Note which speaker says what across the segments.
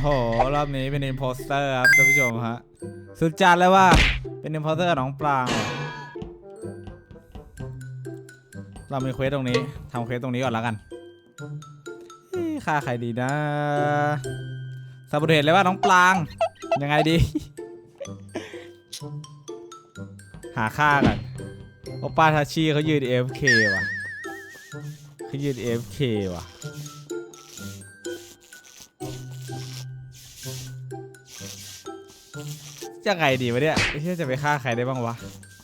Speaker 1: โหรอบนี้เป็นอิมโพสเตอร์ครับท่านผู้ชมฮะสุดจัดเลยว่าเป็นอิมโพสเตอร์กับน้องปรางเรามีเควสตรงนี้ทำเควสตรงนี้ก่อนแล้วกันฆ่าใครดีนะซาบูเทสเลยว่าน้องปรางยังไงดีหาฆ่ากันโอป้าทาชิเขายืน AFK ว่ะเขายืน AFK ว่ะจะไงดีวะเนี่ยไม่ใช่จะไปฆ่าใครได้บ้างวะ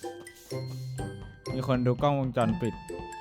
Speaker 1: มีคนดูกล้องวงจรปิด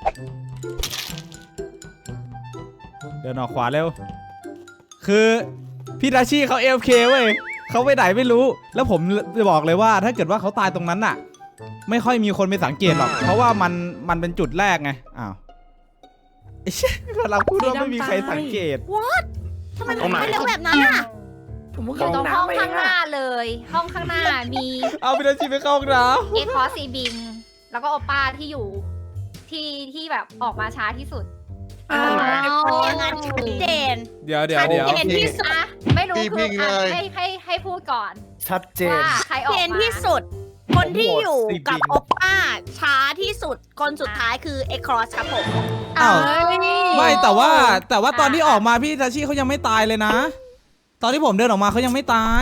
Speaker 1: เดินออกขวาเร็วคือพี่ทาชิเขา AFK เว้ยเขาไปไหนไม่รู้แล้วผมจะบอกเลยว่าถ้าเกิดว่าเขาตายตรงนั้นน่ะไม่ค่อยมีคนไปสังเกตหรอกเพราะว่ามันเป็นจุดแรกไงอ้าวไอ้เชี่ยเราพูดว่าไม่มีใครสังเกต
Speaker 2: What ทำไมถึงไม่เร็วแบบนั้นอ่ะ
Speaker 3: อยู่ตรงห้องข้างหน้าเลยห้องข้างหน้ามี
Speaker 1: เอาพี่ทาชิไปเข้าห้องน้
Speaker 3: เอคอซีบิงแล้วก็โอป้าที่อยู่ที่แบบออกมาช้าที่สุด
Speaker 2: อย่างนั้นชัดเจน
Speaker 1: ำเดี๋ยว
Speaker 2: ชัดเจนที่สุด
Speaker 3: ไม่รู้คือให้พูดก่อน
Speaker 4: ชัดเจน
Speaker 3: ว่าใครออก
Speaker 2: เจน
Speaker 3: มา
Speaker 2: ที่สุด คนที่อยู่กับโอป้าช้าที่สุดคนสุดท้ายคือเอครอสครับผม
Speaker 1: อ้าวไม่แต่ว่าตอนที่ออกมาพี่ทาชิเขายังไม่ตายเลยนะตอนที่ผมเดินออกมาเขายังไม่ตาย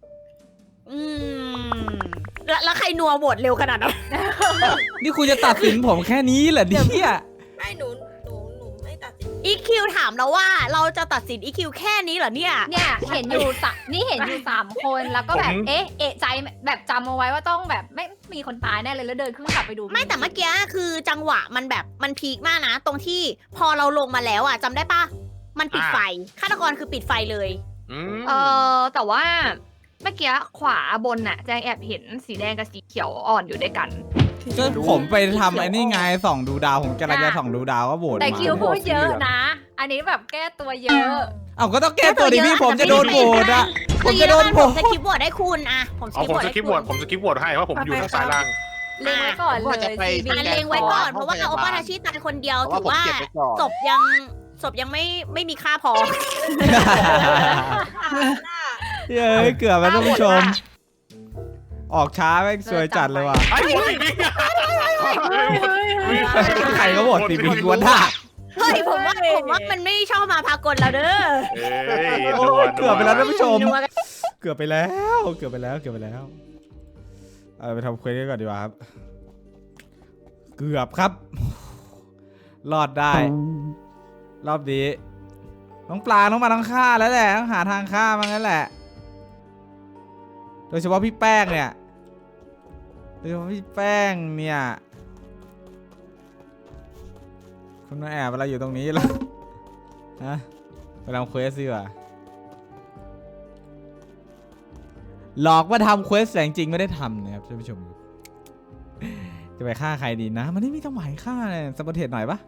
Speaker 2: แล้วใครนัวโหวตเร็วขนาดนั้น
Speaker 1: นี่คุณจะตัดสินผมแค่นี้เหรอเนี่ย
Speaker 5: ไม่หนูไม่ตัดสิน
Speaker 2: EQ ถามเราว่าเราจะตัดสิน EQ แค่นี้เหรอเนี่ย
Speaker 3: เนี่ยเห็นอยู่นี่เห็นอยู่3 คนแล้วก็แบบเอะใจแบบจำเอาไว้ว่าต้องแบบไม่มีคนตายแน่เลยแล้วเดินขึ้นกลับไปดู
Speaker 2: ไม่แต่เมื่อกี้คือจังหวะมันแบบมันพีคมากนะ ตรงที่พอเราลงมาแล้วอ่ะจำได้ปะมันปิดไฟฆาตกรคือปิดไฟเลย
Speaker 6: แต่ว่าเมื่อกี้ขวาบนน่ะแจงแอบเห็นสีแดงกับสีเขียวอ่อนอยู่ด้วยกัน
Speaker 1: ก็ผมไปทำไอ้นี่ไงส่องดูดาวผมกำลังจะส่องดูดาวก็โหวต
Speaker 3: แต่
Speaker 1: มา
Speaker 3: คิวพูดเยอะนะ อันนี้แบบแก้ตัวเยอะ
Speaker 1: เอาก็ต้องแก้ตัวดิพี่ผมจะโดนโหวตอะผมจะโดนโหว
Speaker 2: ผม
Speaker 1: ต
Speaker 2: จะคลิปโหวตให้คุณอะผมส
Speaker 7: เอา
Speaker 2: คริป
Speaker 7: ผม
Speaker 2: โหวต
Speaker 7: สกิปโหวตให้เพราะผมอยู่ทางซ้ายล่าง
Speaker 3: เล็งไว้ก่อนเลยซีบี
Speaker 2: เล็งไว้ก่อนเพราะว่าโอปาทาชิตายคนเดียวถือว่าศพยังไม่มีค่าพอ
Speaker 1: เย้ยเกือบแล้วท่านผู้ชม ออกช้าแม่งสวยจัดเลยว่ะ
Speaker 7: ไอ้โหวตอีกนี่
Speaker 1: ใครก็โหวตตีบิงกวนท่า
Speaker 2: เฮ้ยผมว่ามันไม่ชอบมาพากลแล้วเด้อ
Speaker 1: โอ้ยเกือบไปแล้วท่านผู้ชม
Speaker 2: นัวกัน
Speaker 1: เกือบไปแล้วเอาไปทำเควสกันก่อนดีกว่าครับเกือบครับ รอดได้ รอบนี้น้องปลาต้องมาต้องฆ่าแล้วแหละต้องหาทางฆ่ามันนั่นแหละโดยเฉพาะพี่แป้งเนี่ยคุณมาแอบอะไรอยู่ตรงนี้ล่ะฮะไปทำเควสสิว่ะหลอกว่าทำเควสแต่จริงๆไม่ได้ทำนะครับท่านผู้ชมจะไปฆ่าใครดีนะมันไม่มีจังหวะฆ่าเลยซับเทสหน่อยปะ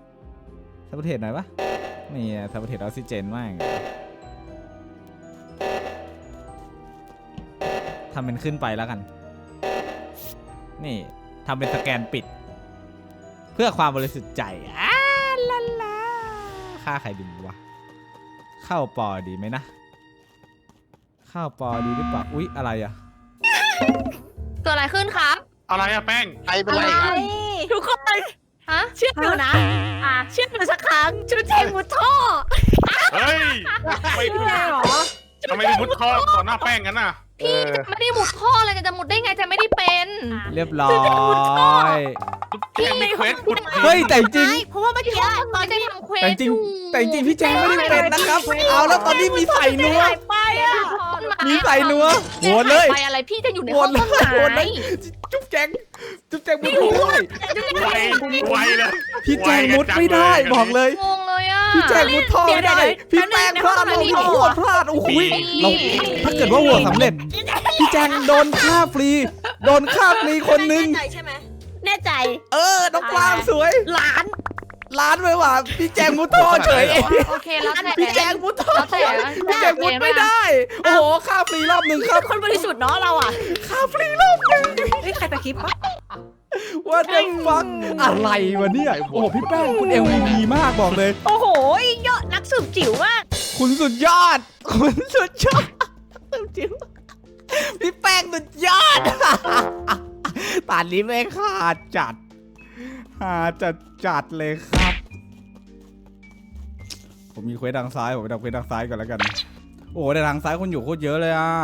Speaker 1: นี่ซับเทสออกซิเจนมากทำเป็นขึ้นไปแล้วกันนี่ทำเป็นสแกนปิดเพื่อความบริสุทธิ์ใจลาฆ่าใครดีวะเข้าปอดีไหมนะเข้าปอดีหรือเปล่าอุ๊ยอะไรอะ
Speaker 6: เกิดอะไรขึ้นครับ
Speaker 7: อะไรอะแป้ง
Speaker 4: ใครเป็นไรครับ
Speaker 2: ทุกคน
Speaker 6: ฮะ
Speaker 2: เชื่อหนูนะเชื่อหนูสักครั้งชุดแจงมุดท่อ
Speaker 7: เฮ้ยไม่พูดทำไมไปมุดท่อต่อหน้าแป้งกันน่ะ
Speaker 6: พี่จะไม่ได้มุดท่อเลยจะมุดได้ไงจะไม่ได้เป็น
Speaker 1: เรียบร้อย
Speaker 7: แป้งมีเควสมุด
Speaker 1: เฮ้ยแต่จริง
Speaker 2: เพราะว่าเมื่อกี้ตอน
Speaker 6: จะ
Speaker 2: ที่
Speaker 6: ทำเควส
Speaker 1: แต่จริงพี่แจงไม่ได้เป็นนะครับเอาแล้วตอนนี้มีใส่นัว
Speaker 2: หายไปอ่ะ
Speaker 1: มีใส่นัวโหวตเลย
Speaker 6: ไปอะไรพี่จะอยู่ใน
Speaker 1: โหว
Speaker 6: ห้อ
Speaker 1: ต
Speaker 6: ง
Speaker 1: เล
Speaker 6: ต้น
Speaker 1: ยโหวตเล
Speaker 6: ไม้
Speaker 1: ยจุ๊บแจงมุดไม่ได้
Speaker 7: ไวเลย
Speaker 1: พี่แจงมุดไม่ได้บอกเลย
Speaker 6: งงเลยอ่ะ
Speaker 1: พี่แจงมุดท่อไม่ได้พี่แป้งพลาดเราโหวตพลาดโอ้โหเราถ้าเกิดว่าโหวตสำเร็จพี่แจงโดนฆ่าฟรีคนนึง
Speaker 5: ใจใช่ไหม
Speaker 2: แน่ใจ
Speaker 1: น้องปลางสวย
Speaker 2: ล้าน
Speaker 1: ไปว่ะพี่แจงมุดท่อเฉย
Speaker 6: โอเคแล้วแต่
Speaker 1: พี่แจงมุดท่อ
Speaker 6: แล้วแต่
Speaker 1: พี่แจงมุดไม่ได้โอ้โหฆ่าฟรีรอบหนึ่งครับ
Speaker 2: คนบริสุทธิ์เนาะเราอ่ะ
Speaker 1: ฆ่าฟรีรอบหนึ่ง
Speaker 5: เฮ้ยใครตะคริปปะ
Speaker 1: ว่าเด็กฟังอะไรวะเนี่ยโอ้โหพี่แป้งคุณ MVP มากบอกเลย
Speaker 2: โอ้โหยอดนักสืบจิ๋วมาก
Speaker 1: คุณสุดยอดคุณสุดยอดจิ๋วพี่แป้งสุดยอดตอนนี้ไม่ขาดจัดจัดเลยครับ ผมมีเควสทางซ้ายผมไปทำเควสทางซ้ายก่อนแล้วกันโอ้แต่ทางซ้ายคนอยู่โคตรเยอะเลยอ่ะ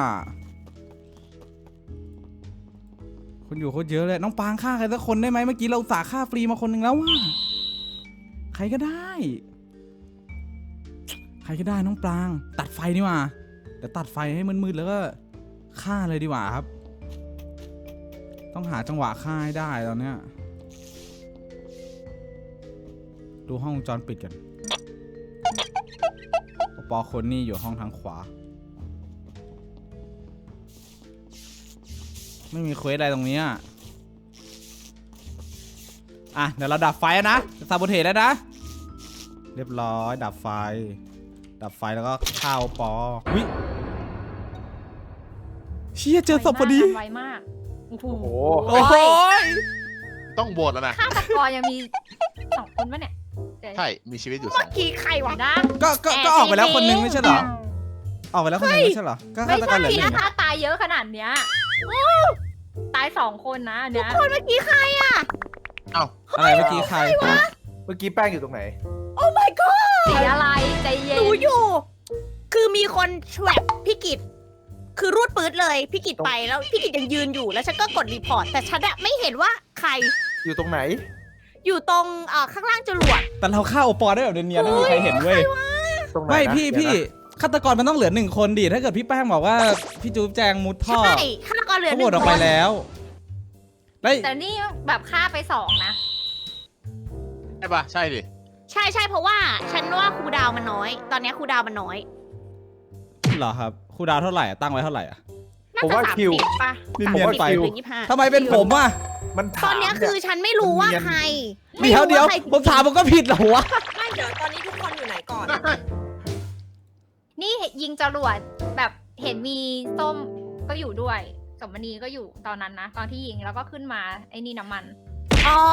Speaker 1: คนอยู่โคตรเยอะเลยน้องปางฆ่าใครสักคนได้ไหมเมื่อกี้เราสาฆ่าฟรีมาคนหนึ่งแล้วว่ะใครก็ได้น้องปรางตัดไฟดีกว่าเดี๋ยวตัดไฟให้มืดๆแล้วก็ฆ่าเลยดีกว่าครับต้องหาจังหวะฆ่าให้ได้ตอนเนี้ยดูห้องวงจรปิดกันปอคนนี่อยู่ห้องทางขวาไม่มีเควสอะไรตรงนี้อ่ะเดี๋ยวเราดับไฟนะซาโบเทสแล้วนะเรียบร้อยดับไฟแล้วก็เข้าปอวิเชี่ยเจอศพพอดี
Speaker 3: ไวมากโอ้โห
Speaker 1: โอ้โห
Speaker 4: ต้องโหวตแล้วนะ
Speaker 3: ฆาตกรยังมี2 คนปะเนี่ย
Speaker 4: ใช่ มีชีวิตอยู่
Speaker 2: เมื่อกี้ใครวะ
Speaker 3: นะ
Speaker 1: ก็ออกไปแล้วคนนึงไม่ใช่เหรอออกไปแล้วคนนึงไม่ใช่เหรอก็
Speaker 3: ไม่
Speaker 1: ฆาตกร
Speaker 3: ใช่
Speaker 1: เหลือหนึ่ง
Speaker 3: ถ้าตายเยอะขนาดเนี้ยตาย2 คนนะอันเนี้ย
Speaker 2: คนเมื่อกี้ใครอ่ะ
Speaker 1: อะไรเมื่อกี้ใคร
Speaker 8: เมื่อกี้แป้งอยู่ตรงไหน
Speaker 2: โอ้ my god
Speaker 3: สีอะไรใจเย็
Speaker 2: ห
Speaker 3: น
Speaker 2: นูอยู่ คือมีคนแทรปพี่กิตคือรูดปื๊ดเลยพี่กิตไปแล้วพี่กิตยังยืนอยู่แล้วฉันก็กดรีพอร์ตแต่ฉันอะไม่เห็นว่าใคร
Speaker 8: อยู่ตรงไหน
Speaker 2: อยู่ตรงข้างล่างจรวด
Speaker 1: แต่เราฆ่าโอปอได้แบบเนียนๆไม่มีใครเห็นเว้ย
Speaker 8: ตรงไหน
Speaker 1: ไม่
Speaker 8: นะ
Speaker 1: พี่
Speaker 8: เดี๋ยวนะ
Speaker 1: ฆาตกรมันต้องเหลือ1 คนดิถ้าเกิดพี่แป้งบอกว่าพี่จู๊บแจงมุดท่อ
Speaker 2: ใช่ฆาตกรเหลือ
Speaker 1: เขา
Speaker 2: ห
Speaker 1: โหว
Speaker 2: นึ่
Speaker 1: ต
Speaker 2: ง
Speaker 1: ออก
Speaker 2: ค
Speaker 1: ไป
Speaker 2: น
Speaker 1: แล้วแล้ว
Speaker 3: แต่นี่แบบฆ่าไป2 นะ
Speaker 4: ใช่ปะใช่ดิ
Speaker 2: ใช่เพราะว่าฉันว่าครูดาวมันน้อย ตอนนี้ครูดาวมันน้อย
Speaker 1: เหรอครับครูดาวเท่าไหร่อะตั้งไว้เท่าไหร่อะ
Speaker 2: น่า
Speaker 8: ผม
Speaker 2: จะ
Speaker 8: ว่า
Speaker 2: 30 ป่ะ
Speaker 1: นี่เนียนไป
Speaker 2: 30หรือ25
Speaker 1: ทำไมเป็นผมอะ
Speaker 8: มัน
Speaker 2: ต
Speaker 8: ถา
Speaker 2: อน
Speaker 8: ม
Speaker 2: นี้
Speaker 8: เนี่
Speaker 2: คือย ฉันไม่รู้ว่าใคร
Speaker 1: เดี๋ยว
Speaker 2: ไม่รู้าใคร
Speaker 1: ผมถามผมก็ผิดเหรอวะ
Speaker 5: ไม่เดี๋ยวตอนนี้ทุกคนอยู่ไหนก่อน
Speaker 3: นี่ยิงจรวดแบบเห็นมีส้มก็อยู่ด้วยสมณีก็อยู่ตอนนั้นนะตอนที่ยิงแล้วก็ขึ้นมาไอ้นี่น้ำมัน
Speaker 2: อ๋อ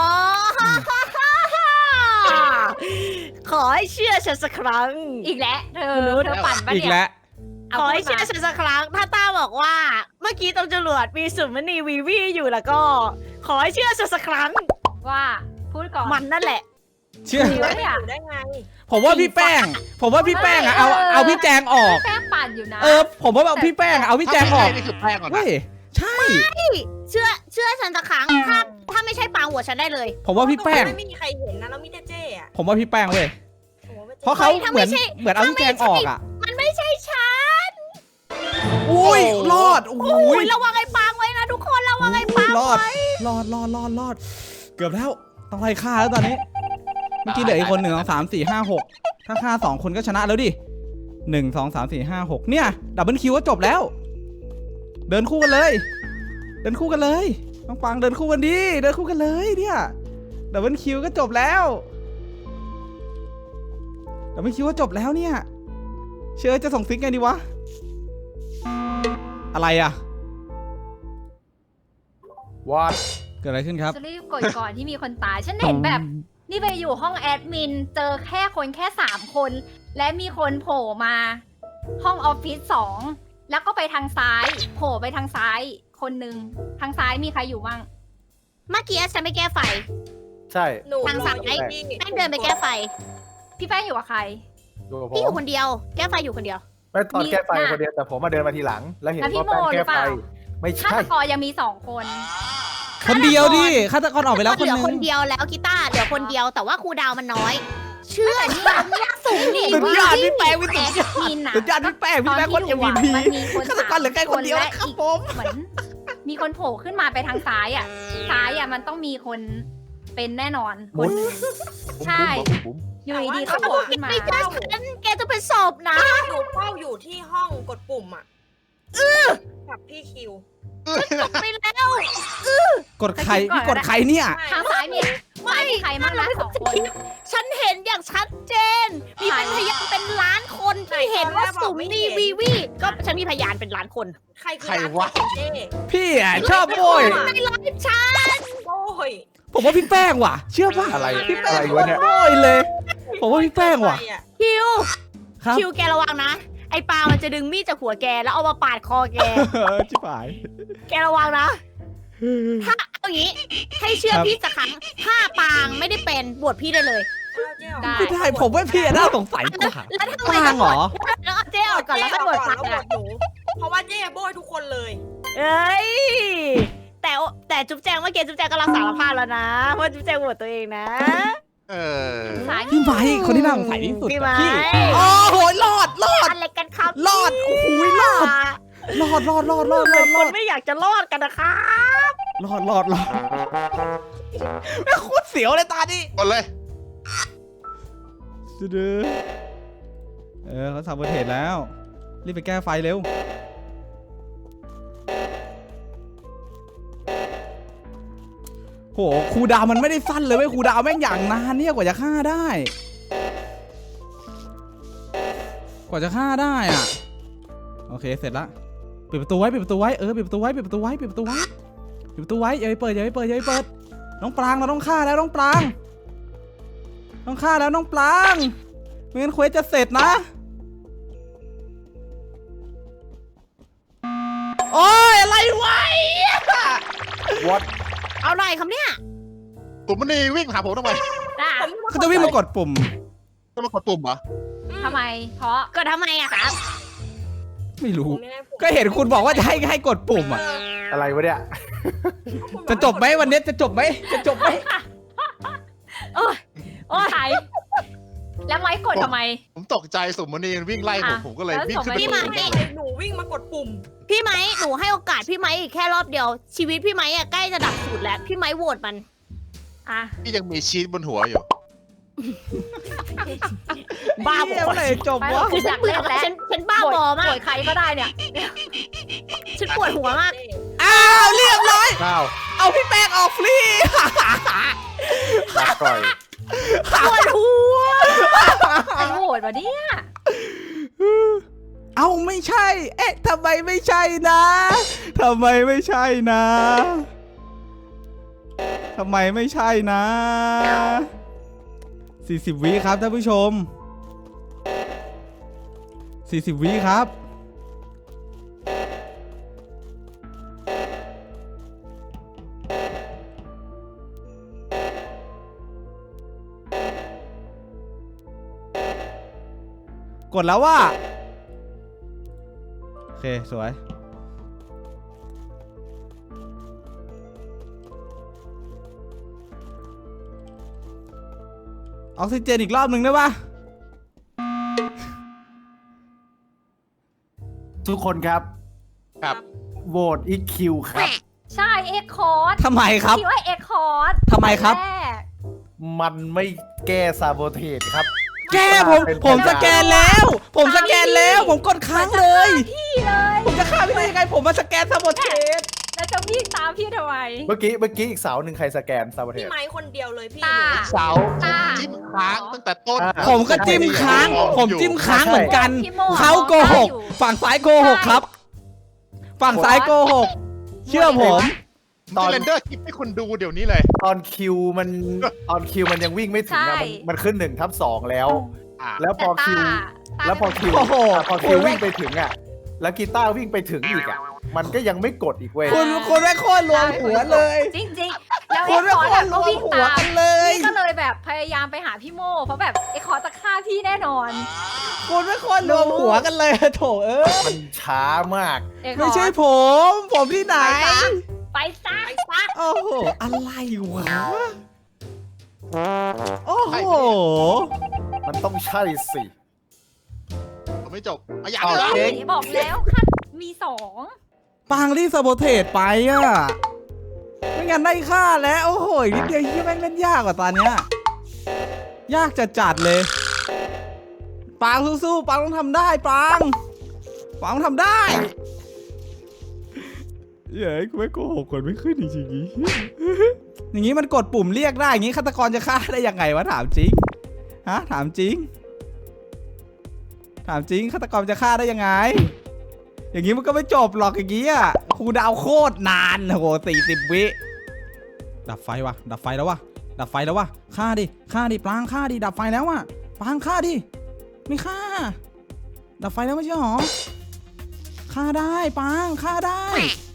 Speaker 2: ขอให้เชื่อฉันสักครั้ง
Speaker 3: อีกแล้วเธอปั่นปะ
Speaker 1: อีก
Speaker 3: เนี่ย
Speaker 1: แล้ว
Speaker 3: เอา
Speaker 2: ขอให้
Speaker 3: พูด
Speaker 2: เชื่อ
Speaker 3: มา
Speaker 2: ฉันสักครั้ง ถ้าต้าบอกว่า เมื่อกี้ตรงจรวดมีสุมณีวีวีอยู่แล้วก็ ขอให้เชื่อฉันสักครั้ง
Speaker 3: ว่าพูดก่อน
Speaker 2: มันนั่นแหละ
Speaker 1: เชื่อ
Speaker 3: ดีวะเนี่ย
Speaker 5: อยู่ได้ไง
Speaker 1: ผมว่าพี่แป้งอะเอาพี่แจงออก
Speaker 3: แป้งปั่นอยู่นะ
Speaker 1: ผมว่าเอาพี่แป้งอะเอาพี่แจงออก
Speaker 4: นี่คือแป้งก่อนนะ
Speaker 1: เว้ยใช่
Speaker 2: เชื่อฉันสักครั้ง ถ้าไม่ใช่ปางหัวฉันได้เลย
Speaker 1: ผมว่าพี่แป้ง
Speaker 5: ไม่มีใครเห็นนะแล้วมีแต่เจ๊อะ
Speaker 1: ผมว่าพี่แป้งเว้ย
Speaker 5: โอ้โหไม่เจ๊
Speaker 1: เพราะเขา
Speaker 2: ถ้า
Speaker 1: เห
Speaker 2: ไม่
Speaker 1: มือน
Speaker 2: ใช่
Speaker 1: เอาพี่แจงออกอะ
Speaker 2: มันไม่ใช่ฉัน
Speaker 1: อุ้ยรอด
Speaker 2: โอ้
Speaker 1: อุ้
Speaker 2: ย
Speaker 1: ย
Speaker 2: ระวังไอ้ปางไว้นะทุกคนระวังไอ้ปาง
Speaker 1: รอดเกือบแล้วต้องไล่ฆ่าแล้วตอนนี้เมื่อกี้เหลืออีกคน1 2 3 4 5 6ถ้าฆ่า2 คนก็ชนะแล้วดิ1 2 3 4 5 6เนี่ยดับเบิลคิวก็จบแล้ว เดินคู่กันเลยน้องปังเดินคู่กันดิเดินคู่กันเลยเนี่ยดับเบิลคิวก็จบแล้วเนี่ยเชื่อจะส่งซิกไงดีวะอะไรอะ
Speaker 8: วอด
Speaker 1: เกิดอะไรขึ้นครับ
Speaker 3: จะรีบกดก่อนที่มีคนตาย ฉันเห็นแบบ นี่ไปอยู่ห้องแอดมิน เจอแค่3 คน และมีคนโผล่มาห้องออฟฟิศ2 แล้วก็ไปทางซ้าย โผล่ไปทางซ้ายคนหนึ่งทางซ้ายมีใครอยู่บ้าง
Speaker 2: เมื่อกี้ฉันไม่แก้ไฟ
Speaker 8: ใช่
Speaker 5: หนู
Speaker 2: ทาง
Speaker 5: รอ
Speaker 2: ซ้าย
Speaker 5: อยู่ที่
Speaker 2: แป้งเดินไปแก้ไฟ
Speaker 3: พี่แป้งอยู่กับใคร
Speaker 8: อยู่กับผ
Speaker 2: พี่อยู่
Speaker 8: ม
Speaker 2: คนเดียว แก้ไฟอยู่คนเดียว
Speaker 8: ไม่ตอนแก้ไฟ
Speaker 3: มีน่ะ
Speaker 8: คนเดียวแต่ผมมาเดินมาทีหลัง แล้วเห็น
Speaker 3: แล้วพี่
Speaker 8: ว่าแป้ง
Speaker 3: โมหรื
Speaker 8: แก้
Speaker 3: อเป
Speaker 8: ไฟ
Speaker 3: ล่า
Speaker 8: ไม่
Speaker 3: ฆา
Speaker 8: ใช่
Speaker 3: ตกรยังมี2 คน
Speaker 1: คนเดียวดิฆาตกรออกไปแล้วคน
Speaker 2: เหลือ
Speaker 1: นึง
Speaker 2: คนเดียวแล้วกีตาร์เหลือคนเดียวแต่ว่าครูดาวมันน้อย เชื่อนี่สูงนี่
Speaker 1: สุดยอดพี่แป้งพี่
Speaker 3: แอ
Speaker 1: สุด
Speaker 3: ด
Speaker 1: ยอด
Speaker 3: มินอะ
Speaker 1: สุดยอดพี่แป้งคน MVP
Speaker 3: มันมีคน
Speaker 1: ฆาตกรเหลือแค่คนเดียว
Speaker 3: และ
Speaker 1: นะครับ
Speaker 3: อีก
Speaker 1: ผม
Speaker 3: เหมือนมีคนโผล่ขึ้นมาไปทางซ้ายอ่ะ ซ้ายอ่ะมันต้องมีคนเป็นแน่นอนคนหนึ่ง ใช่
Speaker 8: บุ๋ม
Speaker 3: อยู่ดีๆก็โผล่ขึ้นมา
Speaker 2: ไม่ใช่ฉันแกจะเป็นศพนะ
Speaker 5: หนูเฝ้าอยู่ที่ห้องกดปุ่มอ่ะกับพี่คิว
Speaker 2: ไปแล้ว
Speaker 1: กดใครพี่กดใครเนี่ย
Speaker 3: ทางซ้ายมีใครบ้างนะ2 คน
Speaker 2: ฉันเห็นอย่างชัดเจน มีเป็นพยานเป็นล้านคนที่เห็นว่าสุมนีวีวีก็ฉันมีพยานเป็นล้านคน
Speaker 5: ใครคือ
Speaker 4: ใครวะ
Speaker 5: ร้านเจ๊
Speaker 1: พี่อ่ะชอบโบย
Speaker 2: ในไลฟ์ฉัน
Speaker 5: โอ้ย
Speaker 1: ผมว่าพี่แป้งว่ะ เชื่อป่ะ
Speaker 8: อะไร
Speaker 1: พี่แป้
Speaker 8: อะ
Speaker 1: ง
Speaker 8: ไรวะเนี่ย
Speaker 1: โบยเลย ผมว่าพี่แป้งว่ะ
Speaker 5: ใครอะ
Speaker 2: คิว
Speaker 1: ครับ
Speaker 2: คิวแกระวังนะ ไออ้ปลามันจะดึงมีดจากหัวแกแล้วเอามาปาดคอแก
Speaker 1: ชิบหาย
Speaker 2: แกระวังนะ ถ้าเอาอย่างนี้ ให้เชื่อ
Speaker 1: ครับ
Speaker 2: พี่สักครั้ง ถ้าปางไม่ได้เป็นบวชพี่ได้เลย
Speaker 5: เอาเจ๊ออก
Speaker 3: ได้
Speaker 1: ไม่ได้ผมว่าพี่น่าสงสัยกว่า
Speaker 2: แล้วทำไม
Speaker 1: ปางเหรอ
Speaker 2: แล้วเอาเจ๊ออกก่อนแล้วก็บวชปาง
Speaker 5: แล้วบวชหนู เพราะว่าเจ๊โบยทุกคนเลย
Speaker 2: เอ้ย แต่จุ๊บแจงเมื่อกี้จุ๊บแจงก็รับสารภาพแล้วนะว่าจุ๊บแจงบวชตัวเองนะ
Speaker 4: เออ
Speaker 3: สาย
Speaker 1: พี่ไม้คนที่น่าสงสัยที่สุด
Speaker 2: พี่
Speaker 1: อะ
Speaker 2: ไม้
Speaker 1: โอ้โหรอด
Speaker 2: อะไรกันครับ
Speaker 1: รอดโอ้โหรอด รอด
Speaker 2: คนไม่อยากจะรอดกันนะคะ
Speaker 1: รอดแม่งโคตรเสียวเลยตาดิ
Speaker 4: กดเลย
Speaker 1: ดื้อเขาทำประเทศแล้ว รีบไปแก้ไฟเร็ว โหครูดาวมันไม่ได้สั้นเลยเว้ยครูดาวแม่งอย่างนานเนี่ยกว่าจะฆ่าได้ กว่าจะฆ่าได้อ่ะ โอเคเสร็จละปิดประตูไว้ปิดประตูไว้ปิดประตูไว้ปิดประตูไว้ปิดประตูไว้ปิดประตูไว้อย่าไปเปิดอย่าไปเปิดอย่าไปเปิดน้องปรางเราต้องฆ่าแล้วน้องปรางต้องฆ่าแล้วน้องปรางไม่งั้นเควสจะเสร็จนะโอ้ยอะไรวะ
Speaker 8: What
Speaker 2: เอาหน่อยครับเนี่ย
Speaker 4: ผมมันนี่วิ่งหาผมทำไม
Speaker 3: อ่ะ
Speaker 1: เขาจะวิ่งมากดปุ่ม
Speaker 4: จะมากดปุ่มเหรอ
Speaker 3: ทำไม เพราะ
Speaker 2: ก็ทำไมอะครับ
Speaker 1: ไม่รู้
Speaker 5: ผมไม่ได้ผม
Speaker 1: ก็เห็นคุณบอกว่าจะให้กดปุ่มอ่ะ
Speaker 8: อะไรวะเนี่ย
Speaker 1: จะจบไหมวันนี้จะจบไหมจะจบไหม
Speaker 2: โอ้ย
Speaker 3: ใครแล้วไม้กดทำไม
Speaker 4: ผมตกใจสมมณีวิ่งไล่ผม
Speaker 3: อ่ะ
Speaker 4: ผมก็เลยวิ่งขึ้น
Speaker 3: แล้ว
Speaker 4: ไป
Speaker 2: พี่
Speaker 4: ก
Speaker 2: มา
Speaker 4: ด
Speaker 2: ให้
Speaker 5: หนูวิ่งมากดปุ่ม
Speaker 2: พี่ไม้หนูให้โอกาสพี่ไม้อีกแค่รอบเดียว ชีวิตพี่ไม้อะใกล้จะดับสูตรแล้ว พี่ไม้โหวตมัน
Speaker 3: อ่ะ
Speaker 4: พี่ยังมีชีสบนหัวอยู่
Speaker 2: บ้าบ
Speaker 1: เหี้ย
Speaker 2: อ
Speaker 1: เมื่อไหร่จบวะ
Speaker 2: คือฉันเบื่อฉันบ้าบอมาก
Speaker 3: โกรธใครก็ได้เนี่ย
Speaker 2: ฉันปวดหัวมาก
Speaker 1: อ้าวเรียบร้อย
Speaker 8: ข้าว
Speaker 1: เอาพี่แป้งออกฟรี
Speaker 8: ลาก่อย
Speaker 2: ปวดหัว
Speaker 3: ใครโหวตวะเนี่ย
Speaker 1: เอาไม่ใช่ เอ๊ะทำไมไม่ใช่นะทำไมไม่ใช่นะทำไมไม่ใช่นะ40 วิครับท่านผู้ชม40 วิครับ กดแล้วว่าโอเค สวย ออกซิเจนอีกรอบหนึ่งได้ปะ
Speaker 8: ทุกคนครับ
Speaker 4: ครับ
Speaker 8: โหวตอีคิวครับ
Speaker 3: ใช่เอ็กคอร์ด
Speaker 1: ทำไมครับ
Speaker 3: คิดว่าเอ็กคอร์ด
Speaker 1: ทำไมครับ
Speaker 3: แรก
Speaker 8: มันไม่แก้ซาโบเทสครับ
Speaker 1: แก้ผมสแกนแล้ว ผมสแกนแล้ว ผมกดค้างเลย
Speaker 3: พี่เลย
Speaker 1: ผมจะฆ่าพี่ได้ยังไง ผมมาสแกนซาโบเทส
Speaker 3: แล้วจะวิ่งตามพี่ทำไม
Speaker 8: เมื่อกี้อีกเสาหนึ่งใครสแกนซาโบเท
Speaker 5: พี่
Speaker 8: ส
Speaker 5: ไม้คนเดียวเลยพี่
Speaker 3: ตา
Speaker 4: เสา
Speaker 3: ตา
Speaker 4: จิ้มค้างตั้งแต่ต้น
Speaker 1: ผมก็จิ้มค้าง ผมจิ้มค้างเหมือนกัน
Speaker 3: พี่โม
Speaker 1: เขาโกหก ฝั่งซ้ายโกหกครับ ฝั่งซ้ายโกหก เชื่อผม
Speaker 4: ตอนเรนเดอร์คลิปให้คุณดูเดี๋ยวนี้เลย
Speaker 8: ตอนคิวมันยังวิ่งไม่ถึงอะมันขึ้น1/2แล้ว
Speaker 4: อ่ะ
Speaker 8: แล้วพอคิว แล้วพอคิว
Speaker 1: โอ้โห
Speaker 8: พอคิววิ่งไปถึงอ่ะ แล้วกีตาร์วิ่งไปถึงอีกอ่ะ มันก็ยังไม่กดอีกเว้ย
Speaker 1: คุณแม่งโคตรรวมหัวเลย
Speaker 3: จริงๆ แล้ว
Speaker 1: คุ
Speaker 3: เอ็
Speaker 1: ณ
Speaker 3: ก
Speaker 1: แม่ง
Speaker 3: ค
Speaker 1: โค
Speaker 3: อร์
Speaker 1: ต
Speaker 3: ด
Speaker 1: รรวม
Speaker 3: ก็วิ่ง
Speaker 1: หัว
Speaker 3: ตาม
Speaker 1: กันเลย
Speaker 3: พี่ก็เลยแบบพยายามไปหาพี่โมเพราะแบบเอ็กคอร์ดจะฆ่าพี่แน่นอน
Speaker 1: คุณแม่งโคตรรวมหัวกันเลยโถเอ้ย
Speaker 8: มันช้ามาก
Speaker 3: เอ็กคอร์ด
Speaker 1: ไม่ใช่ผม ผมที่ไหน
Speaker 3: ไปซะ
Speaker 1: โอ้โห อะไรวะ โอ้โห
Speaker 8: มันต้องใช่สิ
Speaker 4: ผมไม่จบอ่ะอยาก
Speaker 8: เอา
Speaker 4: เลย
Speaker 8: เจ๊ง
Speaker 3: บอกแล้วค่ะมีสอง
Speaker 1: ปางรีบซาโบเทสไปอ่ะ ไม่งั้นได้ค่าแล้ว โอ้โหอีกนิดเดียวเฮียแม่งเล่นยากกว่าตอนเนี้ย ยากจะจัดเลย ปางสู้ๆ ปางต้องทำได้ปางต้องทำได้เย้กูไม่โกหกคนไม่ขึ้นจริงๆอย่างงี้มันกดปุ่มเรียกได้ อย่างงี้ฆาตกรจะฆ่าได้ยังไงวะถามจริง ฮะถามจริง ถามจริงฆาตกรจะฆ่าได้ยังไง อย่างงี้มันก็ไม่จบหรอกอย่างงี้อ่ะครูดาวโคตรนานโอ้โห40 วิดับไฟวะดับไฟแล้ววะดับไฟแล้ววะฆ่าดิปลางฆ่าดิดับไฟแล้ววะปลางฆ่าดิไม่ฆ่าดับไฟแล้วไม่ใช่หรอฆ่าได้ปังฆ่าได้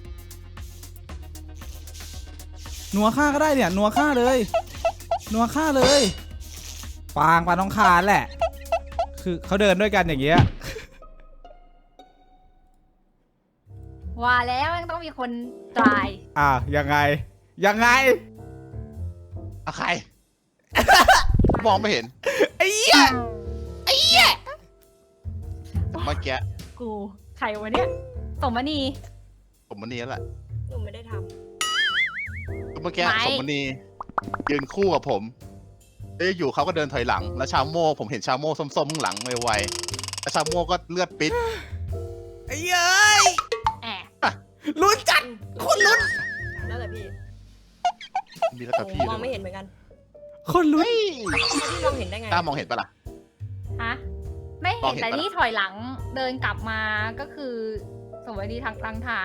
Speaker 1: หนัวฆ่าก็ได้เนี่ยหนัวฆ่าเลยหนัวฆ่าเลยปังต้องฆ่าแหละคือเขาเดินด้วยกันอย่างเงี้ย
Speaker 3: ว่าแล้วมันต้องมีคนตาย
Speaker 1: ยังไงยังไง
Speaker 4: อะใคร มองไม่เห็น
Speaker 1: ไอ้เหี้ย
Speaker 4: เมื่อกี้
Speaker 3: กูใครวะเนี่ยสมณี
Speaker 4: สมณีนั่นแหละ
Speaker 5: หนูไม่ได้ท
Speaker 4: เมื่อกี้
Speaker 3: ไม่
Speaker 4: สมณียืนคู่กับผมแล้วอยู่เขาก็เดินถอยหลัง แล้วชาโม่ผมเห็นชาโม่ส้มๆข้างหลังไวๆแล้วชาโม่ก็เลือดปิด
Speaker 1: ไอ้เอ้ย
Speaker 3: แอบ
Speaker 1: ลุ้นจัดคนลุ้น
Speaker 5: ำแล้วแต่พี่
Speaker 4: มีแล้ว
Speaker 5: ห
Speaker 4: กับ
Speaker 5: นู
Speaker 4: พี่
Speaker 5: มอง
Speaker 4: ด้
Speaker 5: ไม่
Speaker 4: วย
Speaker 5: เห็นเหมือนกัน
Speaker 1: คนลุ้น
Speaker 5: แล้วพี่มองเห็นได้ไง
Speaker 4: กล้ามองเห็นปะล่ะ
Speaker 3: ฮะไม่
Speaker 4: มอ
Speaker 3: เห็
Speaker 4: ง
Speaker 3: น
Speaker 4: เห็น
Speaker 3: แต่
Speaker 4: ปะ
Speaker 3: นี่ถอยหลังเดินกลับมาก็คือสมณีทางลังท้าย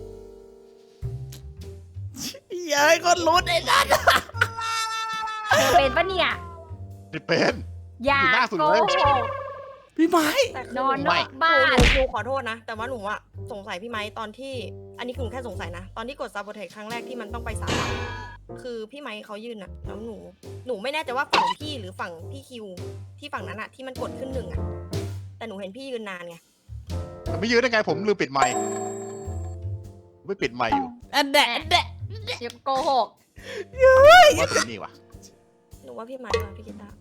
Speaker 1: เย้ยคนลุ้นไอ้นั่น
Speaker 3: เธอเป็นปะเนี่ย
Speaker 4: นี่เป็น
Speaker 3: อย่า
Speaker 4: อยู่หน้าสุด
Speaker 3: โก
Speaker 4: เลย
Speaker 3: หก
Speaker 1: พี่ไม้
Speaker 5: แต่คื
Speaker 3: นอนน
Speaker 4: ไม่
Speaker 3: อกบ้าน
Speaker 5: หนูขอโทษนะ แต่ว่าหนูอะสงสัยพี่ไม้ตอนที่ อันนี้คือหนูแค่สงสัยนะ ตอนที่กดซาโบเทคครั้งแรกที่มันต้องไปสามอะคือพี่ไม้เขายืนอะแล้วหนูไม่แน่ใจว่าฝั่งพี่หรือฝั่งพี่คิว ที่ฝั่งนั้นอะที่มันกดขึ้นหนึ่งอะแต่หนูเห็นพี่ยืนนานไง
Speaker 4: แต่ไม่ยืนได้ไงผมลืมปิดไมค์ไม่ปิดไมค์อยู่
Speaker 1: อันแดะอันแดะ
Speaker 3: อย่าโกหก
Speaker 4: ว่าถึงนี่วะ
Speaker 5: หนูว่าพี่ไม้ว่าพี่กีตาร์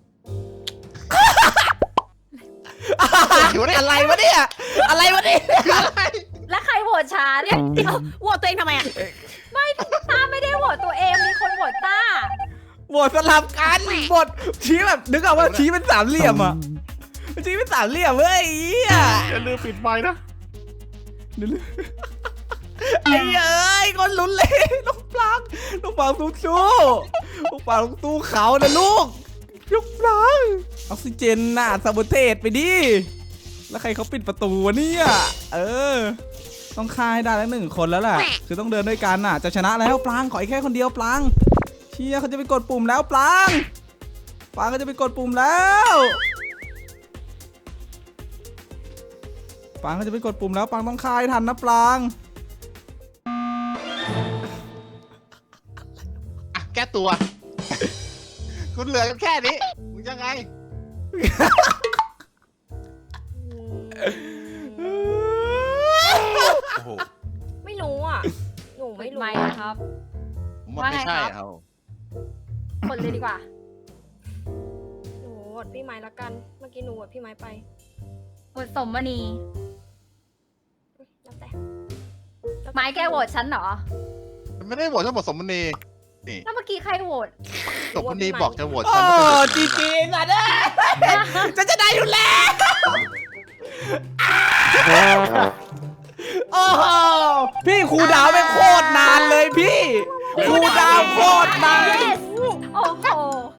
Speaker 1: อะไรวะเนี่ยอะไรวะเนี่ย
Speaker 3: แล้วใครโหวตช้าเนี่ย
Speaker 2: เดี๋ยวโหวตตัวเองทำไมอ่ะ
Speaker 3: ต้าไม่ได้โหวตตัวเองมีคนโหวตต้า
Speaker 1: บทสลับกันบทชี้แบบนึกออกว่าชี้เป็นสามเหลี่ยมอ่ะชี้เป็นสามเหลี่ยมเว้ยไอ้เหี้ย
Speaker 7: อย่าลืมปิดไมค์นะ
Speaker 1: ไอ้เอ้ยคนลุ้นเลยลูกปลางสู้ลูกปลางสู้เขานะลูกปลางออกซิเจนน่ะซาโบเทสไปดิแล้วใครเขาปิดประตูวะเนี่ยต้องฆ่าให้ได้แล้ว1 คนแล้วแหละคือต้องเดินด้วยกันน่ะจะชนะแล้วปลางขออีกแค่คนเดียวปลางเชียเขาจะไปกดปุ่มแล้วปลางก็จะไปกดปุ่มแล้วปลางก็จะไปกดปุ่มแล้วปลางต้องฆ่าให้ทันนะปลาง
Speaker 4: อ่ะแก้ตัว คุณเหลือกันแค่นี้มึงยังไง โอ้โห
Speaker 5: ไม่รู้อ่ะ หนู
Speaker 3: ปิ
Speaker 5: ไม่
Speaker 3: ด
Speaker 5: รู้
Speaker 3: ไมค์นะครับ
Speaker 4: ผมว่าไม่ใช่
Speaker 3: ว่าไงครับ
Speaker 4: เอา
Speaker 3: คนเลยดีกว่า
Speaker 5: หนูโหวตพี่ไม้ละกัน เมื่อกี้หนูโหวตพี่ไม้ไป
Speaker 3: โหวตสมณี
Speaker 5: แล้วแต่
Speaker 3: ไม้แกโหวตฉันเหรอ
Speaker 4: ไม่ได้โหวตฉันบอกสมณีนี่
Speaker 3: แล้วเมื่อกี้ใครโหวต
Speaker 4: สมณีบอกจะโหวต
Speaker 1: โอ้
Speaker 4: ฉันไม่เป็นไร
Speaker 1: จีจีสัตว์ฉันจะได้อยู่แล้วโอ้โหพี่ครูดาวไม่